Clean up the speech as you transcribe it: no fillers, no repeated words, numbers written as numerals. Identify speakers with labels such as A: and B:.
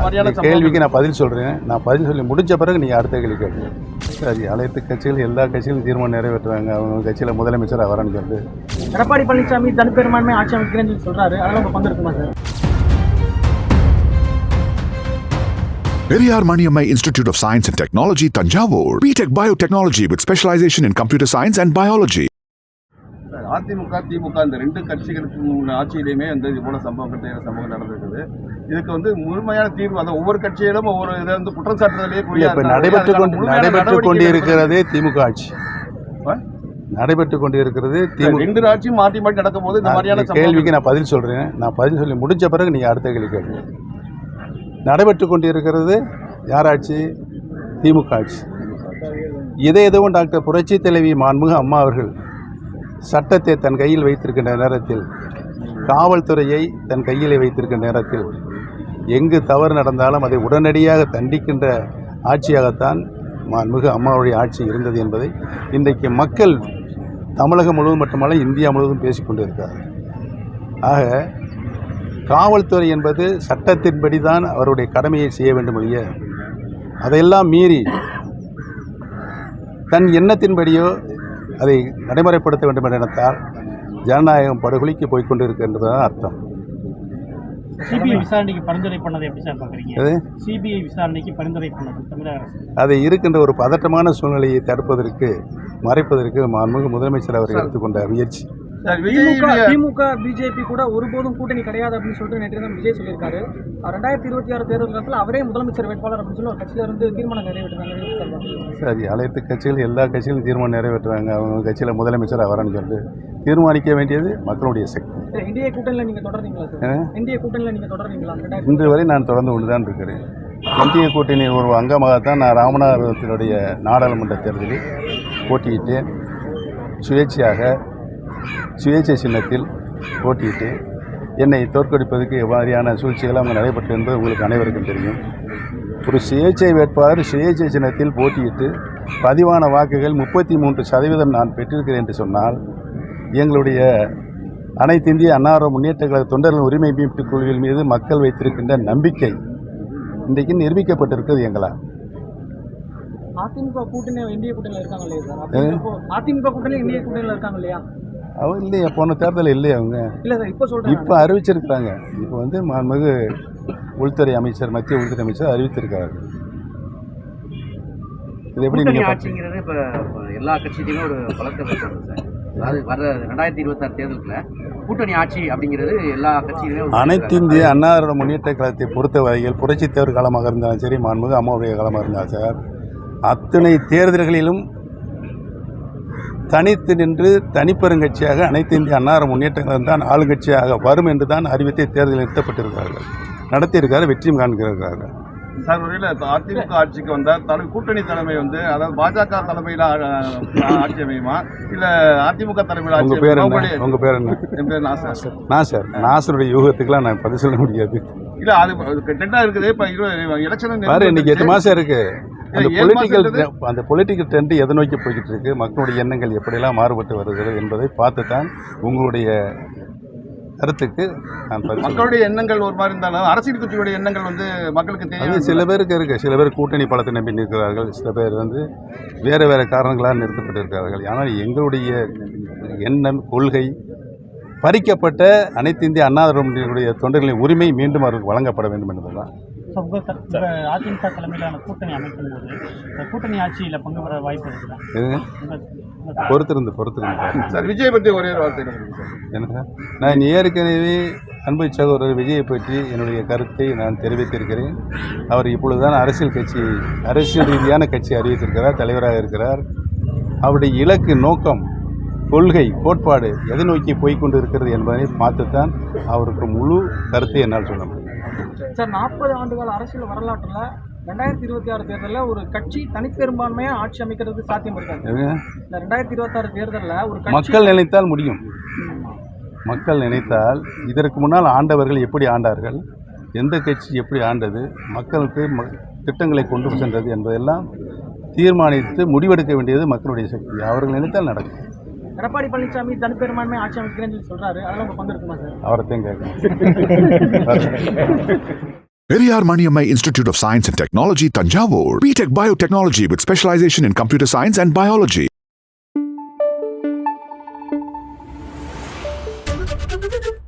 A: மாதிரியான
B: கேள்விக்கு நான் பதில் சொல்கிறேன். நான் பதில் சொல்லி முடிஞ்ச பிறகு நீங்கள் அடுத்த கேள்வி கேட்குறேன். சரி, அனைத்து கட்சிகள் எல்லா கட்சிகளும் தீர்மானம் நிறைவேற்றுவாங்க. அவங்க கட்சியில் முதலமைச்சராக வரேன்னு சொல்லிட்டு
C: எடப்பாடி பழனிசாமி தனிப்பெரும்பான்மை ஆட்சி அமைக்கிறேன்னு சொல்லி சொல்கிறாரு. அதெல்லாம் உங்கள் பங்கு இருக்குமா sir?
D: Periyar Maniammai Institute of Science and Technology, Tanjavur. B.Tech Biotechnology with specialization in computer science and biology.
A: AIADMK DMK இந்த ரெண்டு கட்சிகளுக்கு ஆட்சியிலையுமே இது போல சம்பவம் நடந்திருக்குது. இதுக்கு முழுமையான தீர்வு அந்த ஒவ்வொரு கட்சியிலும் ஒவ்வொரு இதை குற்றம் சாட்டுறதுலேயே
B: நடைபெற்று கொண்டிருக்கிறதே திமுக ஆட்சி. நடைபெற்று கொண்டிருக்கிறது
A: ரெண்டு ஆட்சியும் மாற்றி மாற்றி நடக்கும் போது இந்த மாதிரியான
B: கேள்விக்கு நான் பதில் சொல்கிறேன். நான் பதில் சொல்லி முடிஞ்ச பிறகு நீங்கள் அடுத்த கேள்வி கேட்குறேன். நடைபெற்று கொண்டிருக்கிறது யார் ஆட்சி? திமுக ஆட்சி. எதுவும் டாக்டர் புரட்சி தலைவி மாண்புமிகு அம்மா அவர்கள் சட்டத்தை தன் கையில் வைத்திருக்கின்ற நேரத்தில், காவல்துறையை தன் கையில் வைத்திருக்கின்ற நேரத்தில் எங்கு தவறு நடந்தாலும் அதை உடனடியாக தண்டிக்கின்ற ஆட்சியாகத்தான் மாண்புமிகு அம்மாவுடைய ஆட்சி இருந்தது என்பதை இன்றைக்கு மக்கள் தமிழகம் முழுவதும் மட்டுமல்ல இந்தியா முழுவதும் பேசிக்கொண்டு இருக்கிறார்கள். ஆக காவல்துறை என்பது சட்டத்தின்படி தான் அவருடைய கடமையை செய்ய வேண்டும் ஒழிய அதையெல்லாம் மீறி தன் எண்ணத்தின்படியோ அதை நடைமுறைப்படுத்த வேண்டும் என்ற எண்ணத்தால் ஜனநாயகம் படுகொலிக்கு போய்கொண்டு இருக்கின்றதான் அர்த்தம்.
C: சிபிஐ விசாரணைக்கு பரிந்துரை பண்ணதை எப்படி சார் பார்க்குறீங்க? சிபிஐ விசாரணைக்கு பரிந்துரை பண்ணது தமிழக அரசு
B: அதை இருக்கின்ற ஒரு பதட்டமான சூழ்நிலையை தடுப்பதற்கு மறைப்பதற்கு மாண்புமிகு முதலமைச்சர் அவர் எடுத்துக்கொண்ட முயற்சி.
C: திமுக பிஜேபி கூட ஒருபோதும் கூட்டணி கிடையாது அப்படின்னு சொல்லிட்டு நேற்று தான் விஜய் சொல்லியிருக்காரு. 2026 தேர்தல் காலத்தில் அவரே முதலமைச்சர் வேட்பாளர் அப்படின்னு சொல்லி ஒரு கட்சியிலிருந்து தீர்மானம் நிறைவேற்றுறாங்க.
B: சரி, அனைத்து கட்சிகள் எல்லா கட்சிகளும் தீர்மானம் நிறைவேற்றுவாங்க. அவங்க கட்சியில் முதலமைச்சராக வரேன்னு சொல்லிட்டு தீர்மானிக்க வேண்டியது மக்களுடைய சக்தி.
C: இந்திய கூட்டணியில் நீங்கள் தொடர்றீங்களா சார்? இந்திய கூட்டணியில் நீங்கள் தொடர்றீங்களா?
B: இன்று வரை நான் தொடர்ந்து கொண்டு தான் இருக்கிறேன். இந்திய கூட்டணியின் ஒரு அங்கமாகத்தான் நான் ராமநாதபுரத்தினுடைய நாடாளுமன்ற தேர்தலில் போட்டியிட்டேன். சுயேட்சை சின்னத்தில் போட்டியிட்டு என்னை தோற்கடிப்பதற்கு எவ்வாறான சூழ்ச்சிகள் அவங்க நடைபெற்று என்பது உங்களுக்கு அனைவருக்கும் தெரியும். ஒரு சுயேட்சை வேட்பாளர் சுயேட்சை சின்னத்தில் போட்டியிட்டு பதிவான வாக்குகள் 33% நான் பெற்றிருக்கிறேன் என்று சொன்னால் எங்களுடைய அனைத்து இந்திய அண்ணா முன்னேற்ற கழக தொண்டர்கள் உரிமை மீட்பு குழுவின் மீது மக்கள் வைத்திருக்கின்ற நம்பிக்கை இன்றைக்கு நிரூபிக்கப்பட்டிருக்கிறது. எங்களால்
C: அதிமுக கூட்டணி இந்திய கூட்டணியில் இருக்காங்க இல்லையா சார்? அதிமுக கூட்டணி இந்திய கூட்டணியில் இருக்காங்க இல்லையா?
B: அவங்க இல்லையா, போன தேர்தலில் இல்லையா? அவங்க
C: இல்லை சார், இப்போ சொல்கிறேன்.
B: இப்போ அறிவிச்சிருக்கிறாங்க. இப்போ மாண்புமிகு உள்துறை அமைச்சர், மத்திய உள்துறை அமைச்சர் அறிவித்திருக்கிறார்கள். இது எப்படி நீங்கள்
E: ஆட்சிங்கிறது இப்போ எல்லா கட்சியிலையுமே ஒரு பலத்தை வைக்கிறது சார். அதாவது வர 2026 தேர்தலுக்குள்ள கூட்டணி ஆட்சி அப்படிங்கிறது எல்லா கட்சியிலுமே
B: அனைத்து இந்திய அண்ணா முன்னேற்ற கழகத்தை பொறுத்த வரையில் புரட்சித் தலைவர் காலமாக இருந்தாலும் சரி, மாண்புமிகு அம்மாவுடைய காலமாக இருந்தாலும் சார், அத்தனை தேர்தல்களிலும் தனித்து நின்று தனிப்பெருங்கட்சியாக அனைத்து இந்திய அண்ணா முன்னேற்ற கழகம் தான் ஆளுங்கட்சியாக வரும் என்று தான் அறிவித்தை தேர்தலில் நிறுத்தப்பட்டிருக்கிறார்கள், நடத்தியிருக்காரு, வெற்றியும் காண்கிறார்கள்.
A: சார், ஒருவேளை அதிமுக ஆட்சிக்கு வந்தால் கூட்டணி தலைமை அதாவது பாஜக தலைமையில் ஆட்சி அமையுமா இல்லை அதிமுக தலைமையில்?
B: உங்கள் பேர் என்ன? உங்கள் பேர் என்ன?
A: என் பேர் நாசர்.
B: நாசருடைய யூகத்துக்கெல்லாம் நான் பதில் சொல்ல முடியாது.
A: இல்லை, அது டெண்டாக இருக்குது. இப்போ எலெக்ஷன்
B: பாரு, இன்னைக்கு 8 மாதம் இருக்குது. அந்த பொலிட்டிக்கல் ட்ரெண்ட் எதை நோக்கி போய்கிட்டு இருக்கு, மக்களுடைய எண்ணங்கள் எப்படியெல்லாம் மாறுபட்டு வருகிறது என்பதை பார்த்து தான் உங்களுடைய கருத்துக்கு நான்
A: மக்களுடைய எண்ணங்கள் ஒரு மாதிரி இருந்தாலும் அரசியல் கட்சியுடைய எண்ணங்கள் மக்களுக்கு தெரியும்.
B: சில பேருக்கு இருக்குது. சில பேர் கூட்டணி பலத்தை நம்பி நிற்கிறார்கள். சில பேர் வேறு காரணங்களால் நிறுத்தப்பட்டிருக்கிறார்கள். ஆனால் எங்களுடைய எண்ணம், கொள்கை பறிக்கப்பட்ட அனைத்து இந்திய அண்ணா திராவிட தொண்டர்களின் உரிமை மீண்டும் அவர்களுக்கு வழங்கப்பட வேண்டும் என்பதுதான்.
C: அதிமுக தலைமையிலான கூட்டணி அமைக்கும் போது கூட்டணி ஆட்சியில் பங்கு பெற வாய்ப்பு இருக்குதா?
B: பொறுத்திருந்து
A: சார், விஜய் பற்றி ஒரே வார்த்தை
B: என்ன? நான் ஏற்கனவே அன்பு சகோதரர் விஜயை பற்றி என்னுடைய கருத்தை நான் தெரிவித்திருக்கிறேன். அவர் இப்பொழுதுதான் அரசியல் ரீதியான கட்சி அறிவித்திருக்கிறார், தலைவராக இருக்கிறார். அவருடைய இலக்கு, நோக்கம், கொள்கை, கோட்பாடு எதை நோக்கி போய்கொண்டு இருக்கிறது என்பதை பார்த்துத்தான் அவருக்கு முழு கருத்தை என்னால் சொல்ல முடியும்.
C: சார், 40 ஆண்டுகால அரசியல் வரலாற்றில் 2026 தேர்தலில் ஒரு கட்சி தனிப்பெரும்பான்மையாக ஆட்சி அமைக்கிறது சாத்தியம் இருக்காது. இந்த 2026 தேர்தலில் ஒரு
B: மக்கள் நினைத்தால் முடியும். மக்கள் நினைத்தால் இதற்கு முன்னால் ஆண்டவர்கள் எப்படி ஆண்டார்கள், எந்த கட்சி எப்படி ஆண்டது, மக்களுக்கு திட்டங்களை கொண்டு சென்றது என்பதெல்லாம் தீர்மானித்து முடிவெடுக்க வேண்டியது மக்களுடைய சக்தி. அவர்கள் நினைத்தால் நடக்கும்.
C: எடப்பாடி பழனிசாமி தனிப்பெரும்பான்மை ஆட்சி அமைக்கிறேன்னு சொல்லி சொல்கிறாரு. அதெல்லாம் உங்கள் பங்கு இருக்குமா சார்?
B: அவரைத்தையும் கேட்கணும்.
D: Periyar Maniammai Institute of Science and Technology, Tanjavur. BTech Biotechnology with specialization in computer science and biology.